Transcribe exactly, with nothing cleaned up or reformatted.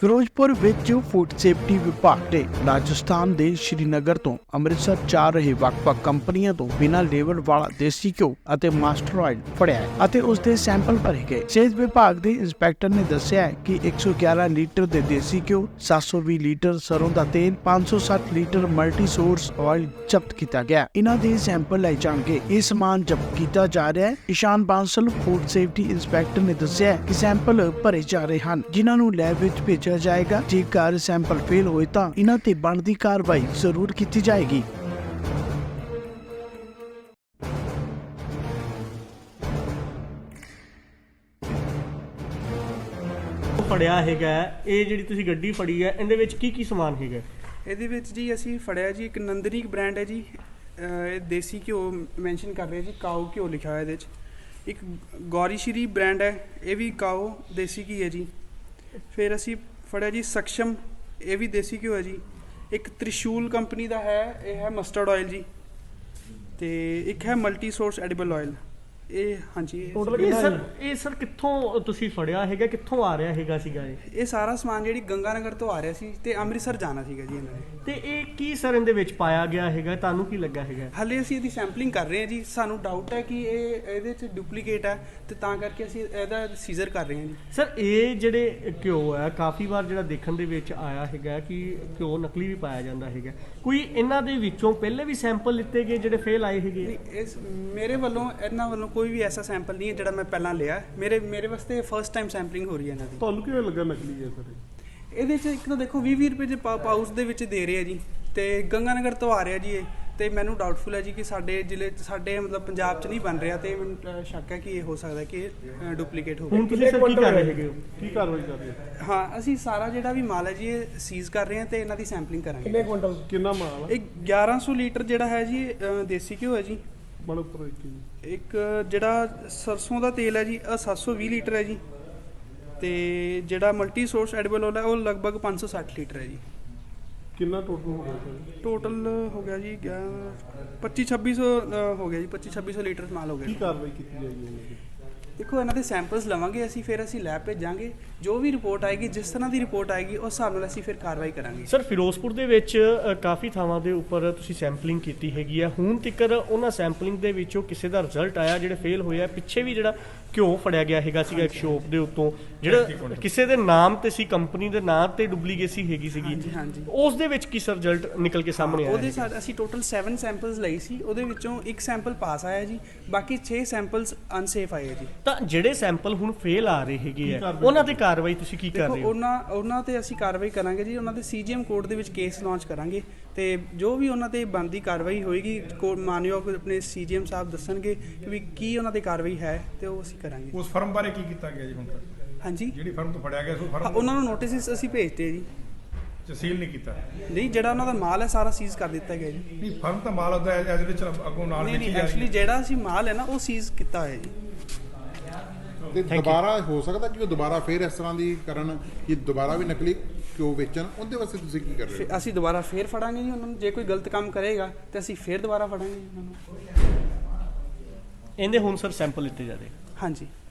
ਫਿਰੋਜ਼ਪੁਰ ਵਿੱਚ food safety ਵਿਭਾਗ ਨੇ ਰਾਜਸਥਾਨ ਦੇ ਸ਼੍ਰੀਨਗਰ ਤੋਂ ਅੰਮ੍ਰਿਤਸਰ ਜਾ ਰਹੇ ਵੱਖ-ਵੱਖ ਕੰਪਨੀਆਂ ਤੋਂ ਬਿਨਾਂ ਲੇਬਲ ਵਾਲਾ ਦੇਸੀ ਘਿਓ ਅਤੇ ਮਾਸਟਰ ਆਇਲ ਫੜਿਆ ਹੈ ਅਤੇ ਉਸ ਦੇ ਸੈਂਪਲ ਭਰੇ ਗਏ। ਸਿਹਤ ਵਿਭਾਗ ਦੇ ਇੰਸਪੈਕਟਰ ਨੇ ਦੱਸਿਆ ਹੈ ਕਿ ਇੱਕ ਸੌ ਗਿਆਰਾਂ ਲੀਟਰ ਦੇ ਦੇਸੀ ਘਿਓ, ਸੱਤ ਸੌ ਵੀਹ ਲੀਟਰ ਸਰੋਂ ਦਾ ਤੇਲ, ਪੰਜ ਸੌ ਸੱਠ ਲੀਟਰ ਮਲਟੀ ਸੋਰਸ ਆਇਲ ਜ਼ਬਤ ਕੀਤਾ ਗਿਆ। ਇਹਨਾਂ ਦੇ ਸੈਂਪਲ ਲਏ ਜਾਣਗੇ। ਇਹ ਸਮਾਨ ਜ਼ਬਤ ਕੀਤਾ ਜਾ ਰਿਹਾ ਹੈ। Ishaan Bansal food safety inspector ਨੇ ਦੱਸਿਆ ਕਿ ਸੈਂਪਲ ਭਰੇ ਜਾ ਰਹੇ ਹਨ, ਜਿਨ੍ਹਾਂ ਨੂੰ ਲੈਬ ਵਿੱਚ ਭੇਜਿਆ ਜਾਏਗਾ। ਜੇਕਰ ਸੈਂਪਲ ਫੇਲ ਹੋਏ ਤਾਂ ਇਹਨਾਂ ਤੇ ਬਣਦੀ ਕਾਰਵਾਈ ਜ਼ਰੂਰ ਕੀਤੀ ਜਾਏਗੀ। ਫੜਿਆ ਹੈਗਾ ਇਹ ਜਿਹੜੀ ਤੁਸੀਂ ਗੱਡੀ ਫੜੀ ਹੈ, ਇਹਦੇ ਵਿੱਚ ਕੀ ਕੀ ਸਮਾਨ ਹੈਗਾ? ਇਹਦੇ ਵਿੱਚ ਜੀ ਅਸੀਂ ਫੜਿਆ ਜੀ ਇੱਕ ਨੰਦਨੀ ਬ੍ਰਾਂਡ ਹੈ ਜੀ। ਇਹ ਦੇਸੀ ਘਿਓ ਮੈਂਸ਼ਨ ਕਰ ਰਿਹਾ ਜੀ, ਕਾਓ ਘਿਓ ਲਿਖਿਆ ਹੋਇਆ ਇਹਦੇ 'ਚ। ਇੱਕ ਗੌਰੀ ਸ਼੍ਰੀ ਬ੍ਰਾਂਡ ਹੈ, ਇਹ ਵੀ ਕਾਓ ਦੇਸੀ ਘੀ ਹੈ ਜੀ। ਫਿਰ ਅਸੀਂ ਫੜਿਆ ਜੀ ਸਕਸ਼ਮ, ਇਹ ਵੀ ਦੇਸੀ ਘਿਓ ਹੈ ਜੀ। ਇੱਕ ਤ੍ਰਿਸ਼ੂਲ ਕੰਪਨੀ ਦਾ ਹੈ, ਇਹ ਹੈ ਮਸਟਰਡ ਆਇਲ ਜੀ। ਤੇ ਇੱਕ ਹੈ ਮਲਟੀ ਸੋਰਸ ਐਡੀਬਲ ਆਇਲ। ਇਹ ਹਾਂਜੀ ਇਹ ਸਰ ਇਹ ਸਰ ਕਿੱਥੋਂ ਤੁਸੀਂ ਫੜਿਆ ਹੈਗਾ, ਕਿੱਥੋਂ ਆ ਰਿਹਾ ਹੈਗਾ ਸੀਗਾ ਇਹ? ਇਹ ਸਾਰਾ ਸਮਾਨ ਜਿਹੜੀ ਗੰਗਾ ਨਗਰ ਤੋਂ ਆ ਰਿਹਾ ਸੀ ਤੇ ਅੰਮ੍ਰਿਤਸਰ ਜਾਣਾ ਸੀਗਾ ਜੀ ਇਹਨਾਂ ਨੇ। ਤੇ ਇਹ ਕੀ ਸਰ ਇਹਦੇ ਵਿੱਚ ਪਾਇਆ ਗਿਆ ਹੈਗਾ, ਤੁਹਾਨੂੰ ਕੀ ਲੱਗਾ ਹੈਗਾ? ਹਾਲੇ ਅਸੀਂ ਇਹਦੀ ਸੈਂਪਲਿੰਗ ਕਰ ਰਹੇ ਹਾਂ ਜੀ। ਸਾਨੂੰ ਡਾਊਟ ਹੈ ਕਿ ਇਹ ਇਹਦੇ 'ਚ ਡੁਪਲੀਕੇਟ ਹੈ ਤੇ ਤਾਂ ਕਰਕੇ ਅਸੀਂ ਇਹਦਾ ਸੀਜ਼ਰ ਕਰ ਰਹੇ ਹਾਂ ਜੀ। ਸਰ ਇਹ ਜਿਹੜੇ ਘਿਓ ਹੈ, ਕਾਫੀ ਵਾਰ ਜਿਹੜਾ ਦੇਖਣ ਦੇ ਵਿੱਚ ਆਇਆ ਹੈਗਾ ਕਿ ਘਿਓ ਨਕਲੀ ਵੀ ਪਾਇਆ ਜਾਂਦਾ ਹੈਗਾ। ਕੋਈ ਇਹਨਾਂ ਦੇ ਵਿੱਚੋਂ ਪਹਿਲੇ ਵੀ ਸੈਂਪਲ ਲਿੱਤੇ ਗਏ ਜਿਹੜੇ ਫੇਲ ਆਏ ਹੈਗੇ? ਇਸ ਮੇਰੇ ਵੱਲੋਂ ਇਹਨਾਂ ਵੱਲੋਂ ਕੋਈ ਵੀ ਐਸਾ ਸੈਂਪਲ ਨਹੀਂ ਹੈ ਜਿਹੜਾ ਮੈਂ ਪਹਿਲਾਂ ਲਿਆ। ਮੇਰੇ ਮੇਰੇ ਵਾਸਤੇ ਫਸਟ ਟਾਈਮ ਸੈਂਪਲਿੰਗ ਹੋ ਰਹੀ ਹੈ ਇਹਨਾਂ ਦੀ। ਤੁਹਾਨੂੰ ਕਿਵੇਂ ਲੱਗਾ ਨਕਲੀ ਹੈ ਸਰ? ਇਹਦੇ 'ਚ ਇੱਕ ਤਾਂ ਦੇਖੋ ਵੀਹ ਵੀਹ ਰੁਪਏ ਦੇ ਪਾਊਚ ਦੇ ਵਿੱਚ ਦੇ ਰਹੇ ਆ ਜੀ, ਤੇ ਗੰਗਾ ਨਗਰ ਤੋਂ ਆ ਰਿਹਾ ਜੀ ਇਹ। ਤੇ ਮੈਨੂੰ ਡਾਊਟਫੁਲ ਹੈ ਜੀ ਕਿ ਸਾਡੇ ਜ਼ਿਲ੍ਹੇ ਸਾਡੇ ਮਤਲਬ ਪੰਜਾਬ 'ਚ ਨਹੀਂ ਬਣ ਰਿਹਾ, ਤੇ ਮੈਨੂੰ ਸ਼ੱਕ ਹੈ ਕਿ ਇਹ ਹੋ ਸਕਦਾ ਕਿ ਇਹ ਡੁਪਲੀਕੇਟ ਹੋਵੇ। ਹੁਣ ਤੁਸੀਂ ਸਰ ਕੀ ਕਰ ਰਹੇ ਹੈਗੇ ਹੋ? ਕੀ ਕਾਰਵਾਈ ਕਰ ਰਹੇ ਹੋ? ਹਾਂ, ਅਸੀਂ ਸਾਰਾ ਜਿਹੜਾ ਵੀ ਮਾਲ ਹੈ ਜੀ ਇਹ ਸੀਜ਼ ਕਰ ਰਹੇ ਹਾਂ ਤੇ ਇਹਨਾਂ ਦੀ ਸੈਂਪਲਿੰਗ ਕਰਾਂਗੇ। ਕਿੰਨੇ ਕੁਇੰਟਲ ਕਿੰਨਾ ਮਾਲ ਹੈ? ਇਹ ਗਿਆਰਾਂ ਸੌ ਲੀਟਰ ਜਿਹੜਾ ਹੈ ਜੀ ਦੇਸੀ ਘਿਓ ਹੈ ਜੀ। ਬੜਾ ਉੱਪਰ ਇੱਕ ਇੱਕ ਜਿਹੜਾ ਸਰਸੋਂ ਦਾ ਤੇਲ ਹੈ ਜੀ, ਇਹ ਸੱਤ ਸੌ ਵੀਹ ਲੀਟਰ ਹੈ ਜੀ। ਤੇ ਜਿਹੜਾ ਮਲਟੀ ਸੋਰਸ ਐਡੀਬਲ ਆਇਲ ਹੈ ਉਹ ਲਗਭਗ ਪੰਜ ਸੌ ਸੱਠ ਲੀਟਰ ਹੈ ਜੀ। ਕਿੰਨਾ ਟੋਟਲ ਹੋ ਗਿਆ ਸਰ? ਟੋਟਲ ਹੋ ਗਿਆ ਜੀ ਪੱਚੀ ਛੱਬੀ ਸੌ ਹੋ ਗਿਆ ਜੀ। ਪੱਚੀ ਛੱਬੀ ਸੌ ਲੀਟਰ ਮਾਲ ਹੋ ਗਿਆ। ਕੀ ਕਾਰਵਾਈ ਕੀਤੀ ਜਾਏਗੀ ਇਹਨਾਂ ਦੀ? ਦੇਖੋ ਇਹਨਾਂ ਦੇ ਸੈਂਪਲਸ ਲਵਾਂਗੇ ਅਸੀਂ, ਫਿਰ ਅਸੀਂ ਲੈਬ ਭੇਜਾਂਗੇ। ਜੋ ਵੀ ਰਿਪੋਰਟ ਆਏਗੀ, ਜਿਸ ਤਰ੍ਹਾਂ ਦੀ ਰਿਪੋਰਟ ਆਏਗੀ ਉਸ ਹਿਸਾਬ ਨਾਲ ਅਸੀਂ ਫਿਰ ਕਾਰਵਾਈ ਕਰਾਂਗੇ। ਸਰ ਫਿਰੋਜ਼ਪੁਰ ਦੇ ਵਿੱਚ ਅ, ਕਾਫੀ ਥਾਵਾਂ ਦੇ ਉੱਪਰ ਤੁਸੀਂ ਸੈਂਪਲਿੰਗ ਕੀਤੀ ਹੈਗੀ ਆ। ਹੁਣ ਤੱਕ ਉਹਨਾਂ ਸੈਂਪਲਿੰਗ ਦੇ ਵਿੱਚੋਂ ਕਿਸੇ ਦਾ ਰਿਜ਼ਲਟ ਆਇਆ ਜਿਹੜੇ ਫੇਲ ਹੋਏ ਆ? ਪਿੱਛੇ ਵੀ ਜਿਹੜਾ ਘਿਓ ਫੜਿਆ ਗਿਆ ਹੈਗਾ ਸੀਗਾ ਇੱਕ ਸ਼ੋਪ ਦੇ ਉੱਤੋਂ, ਜਿਹੜਾ ਕਿਸੇ ਦੇ ਨਾਮ ਤੇ ਸੀ, ਕੰਪਨੀ ਦੇ ਨਾਮ ਤੇ ਡੁਪਲੀਕੇਸੀ ਹੈਗੀ ਸੀਗੀ, ਹਾਂਜੀ। ਉਸ ਦੇ ਵਿੱਚ ਕੀ ਸਰ ਰਿਜ਼ਲਟ ਨਿਕਲ ਕੇ ਸਾਹਮਣੇ ਆਇਆ? ਉਹਦੇ ਸਾਡ ਅਸੀਂ ਟੋਟਲ ਸੱਤ ਸੈਂਪਲਸ ਲਈ ਸੀ, ਉਹਦੇ ਵਿੱਚੋਂ ਇੱਕ ਸੈਂਪਲ ਪਾਸ ਆਇਆ ਜੀ, ਬਾਕੀ ਛੇ ਸੈਂਪਲਸ ਅਨਸੇਫ ਆਏ ਜੀ। ਤਾਂ ਜਿਹੜੇ ਸੈਂਪਲ ਹੁਣ ਫੇਲ ਆ ਰਹੇ ਹੈਗੇ ਆ, ਉਹਨਾਂ ਤੇ ਕਾਰਵਾਈ ਤੁਸੀਂ ਕੀ ਕਰ ਰਹੇ ਹੋ? ਉਹਨਾਂ ਉਹਨਾਂ ਤੇ ਅਸੀਂ ਕਾਰਵਾਈ ਕਰਾਂਗੇ ਜੀ। ਉਹਨਾਂ ਦੇ ਸੀਜੀਐਮ ਕੋਰਟ ਦੇ ਵਿੱਚ ਕੇਸ ਲਾਂਚ ਕਰਾਂਗੇ ਤੇ ਜੋ ਵੀ ਉਹਨਾਂ ਤੇ ਬਣਦੀ ਕਾਰਵਾਈ ਹੋਏਗੀ, ਮਾਨਯੋਗ ਆਪਣੇ ਸੀਜੀਐਮ ਸਾਹਿਬ ਦੱਸਣਗੇ ਕਿ ਵੀ ਕੀ ਉਹਨਾਂ ਦੀ ਕਾਰਵਾਈ ਹੈ ਤੇ ਉਹ ਅਸੀਂ ਕਰਾਂਗੇ। ਉਸ ਫਰਮ ਬਾਰੇ ਕੀ ਕੀਤਾ ਗਿਆ ਜੀ ਹੁਣ ਤੱਕ? ਹਾਂਜੀ, ਜਿਹੜੀ ਫਰਮ ਤੋਂ ਫੜਿਆ ਗਿਆ ਸੋ ਫਰਮ ਉਹਨਾਂ ਨੂੰ ਨੋਟਿਸ ਅਸੀਂ ਭੇਜਤੇ ਜੀ। ਸੀਲ ਨਹੀਂ ਕੀਤਾ? ਨਹੀਂ, ਜਿਹੜਾ ਉਹਨਾਂ ਦਾ ਮਾਲ ਹੈ ਸਾਰਾ ਸੀਜ਼ ਕਰ ਦਿੱਤਾ ਗਿਆ ਜੀ। ਨਹੀਂ, ਫਰਮ ਤਾਂ ਮਾਲ ਉਹਦਾ ਐਜ਼ ਵਿੱਚ ਅੱਗੋਂ ਨਾਲ ਨਹੀਂ ਦੇਖੀ ਨਹੀਂ ਜਾ ਰਹੀ ਐਕਚੁਅਲੀ ਜਿਹੜਾ ਅਸੀਂ ਮਾਲ ਹੈ ਨਾ ਉਹ ਸੀਜ਼ ਕੀਤਾ ਹੋਇਆ ਜੀ। ਤੇ ਦੁਬਾਰਾ ਹੋ ਸਕਦਾ ਕਿ ਉਹ ਦੁਬਾਰਾ ਫੇਰ ਇਸ ਤਰ੍ਹਾਂ ਦੀ ਕਰਨ ਕਿ ਦੁਬਾਰਾ ਵੀ ਨਕਲੀ ਕਿਉਂ ਵੇਚਣ, ਉਹਦੇ ਵਾਸਤੇ ਤੁਸੀਂ ਕੀ ਕਰ ਰਹੇ ਹੋ? ਅਸੀਂ ਦੁਬਾਰਾ ਫੇਰ ਫੜਾਂਗੇ ਜੀ ਉਹਨਾਂ ਨੂੰ। ਜੇ ਕੋਈ ਗਲਤ ਕੰਮ ਕਰੇਗਾ ਤੇ ਅਸੀਂ ਫੇਰ ਦੁਬਾਰਾ ਫੜਾਂਗੇ ਜੀ ਉਹਨਾਂ ਨੂੰ। ਇਹਦੇ ਹੁਣ ਸਰ ਸੈਂਪਲ ਲਿੱਤੇ ਜਾ ਰਹੇ? ਹਾਂਜੀ।